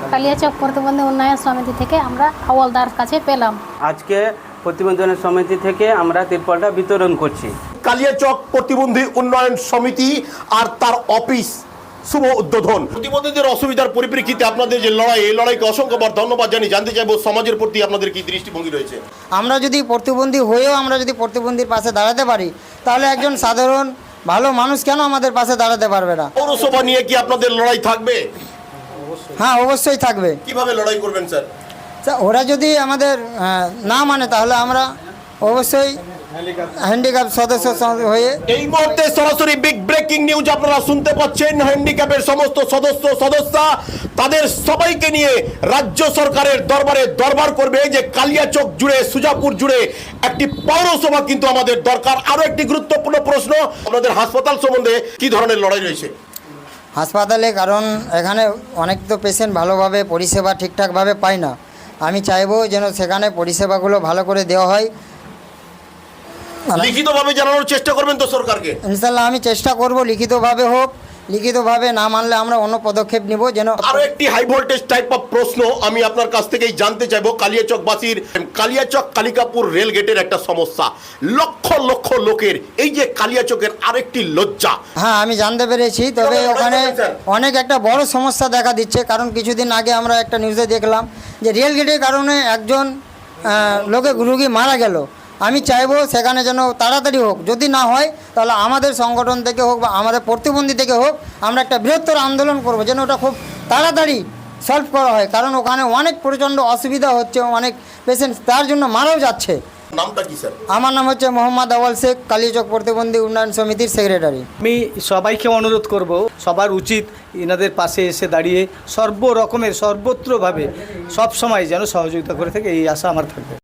কালিয়াচক প্রতিবন্ধী উন্নয়ন সমিতি থেকে আমরা হাওলদার কাছে পেলাম। আজকে প্রতিবন্ধী উন্নয়ন সমিতি থেকে আমরা তিরপলটা বিতরণ করছি। কালিয়াচক প্রতিবন্ধী উন্নয়ন সমিতি আর তার অফিস শুভ উদ্বোধন। প্রতিবন্ধীদের অসুবিধার পরিপ্রেক্ষিতে আপনাদের যে লড়াই, এই লড়াইকে অসংখ্যবার ধন্যবাদ জানিয়ে জানতে চাইবো সমাজের প্রতি আপনাদের কি দৃষ্টিভঙ্গি রয়েছে। আমরা যদি প্রতিবন্ধী হয়েও আমরা যদি প্রতিবন্ধীর পাশে দাঁড়াতে পারি, তাহলে একজন সাধারণ ভালো মানুষ কেন আমাদের পাশে দাঁড়াতে পারবে না? পৌরসভা নিয়ে কি আপনাদের লড়াই থাকবে? হ্যাঁ, অবশ্যই থাকবে। কিভাবে লড়াই করবেন স্যার? ওরা যদি আমাদের না মানে তাহলে আমরা অবশ্যই হ্যান্ডিক্যাপ সদস্য হয়ে। এই মুহূর্তে সরাসরি বিগ ব্রেকিং নিউজ আপনারা শুনতে পাচ্ছেন। হ্যান্ডিক্যাপের সমস্ত সদস্য তাদের সবাইকে নিয়ে রাজ্য সরকারের দরবারে দরবার করবে যে কালিয়াচক জুড়ে, সুজাপুর জুড়ে একটি পৌরসভা কিন্তু আমাদের দরকার। আরো একটি গুরুত্বপূর্ণ প্রশ্ন, আপনাদের হাসপাতাল সম্বন্ধে কি ধরনের লড়াই রয়েছে? হাসপাতালে, কারণ এখানে অনেক তো পেশেন্ট ভালোভাবে পরিষেবা ঠিকঠাকভাবে পায় না। আমি চাইবো যেন সেখানে পরিষেবাগুলো ভালো করে দেওয়া হয়। লিখিতভাবে জানানোর চেষ্টা করবেন তো সরকারকে? ইনশাল্লাহ আমি চেষ্টা করব লিখিতভাবে হোক। লিখিতভাবে না মানলে আমরা অন্য পদক্ষেপ নিব। যেন আরো একটি হাই ভোল্টেজ টাইপ অফ প্রশ্ন আমি আপনার কাছ থেকেই জানতে চাইবো। কালিয়াচকবাসীর কালিয়াচক কালিকাপুর রেল গেটের একটা সমস্যা, লক্ষ লক্ষ লোকের এই যে কালিয়াচকের আরেকটি লজ্জা। হ্যাঁ, আমি জানতে পেরেছি, তবে ওখানে অনেক একটা বড় সমস্যা দেখা দিচ্ছে। কারণ কিছুদিন আগে আমরা একটা নিউজে দেখলাম যে রেল গেটের কারণে একজন রোগী মারা গেল। আমি চাইবো সেখানে যেন তাড়াতাড়ি হোক। যদি না হয় তাহলে আমাদের সংগঠন থেকে হোক বা আমাদের প্রতিবন্ধী থেকে হোক, আমরা একটা বৃহত্তর আন্দোলন করব যেন ওটা খুব তাড়াতাড়ি সলভ করা হয়। কারণ ওখানে অনেক প্রচণ্ড অসুবিধা হচ্ছে, অনেক পেশেন্ট তার জন্য মারাও যাচ্ছে। নামটা কি স্যার? আমার নাম হচ্ছে মোহাম্মদ আওয়াল শেখ, কালিয়াচক প্রতিবন্ধী উন্নয়ন সমিতির সেক্রেটারি। আমি সবাইকে অনুরোধ করব, সবার উচিত এনাদের পাশে এসে দাঁড়িয়ে সর্বরকমের সর্বত্রভাবে সব সময় যেন সহযোগিতা করে থাকে, এই আশা আমার থাকবে।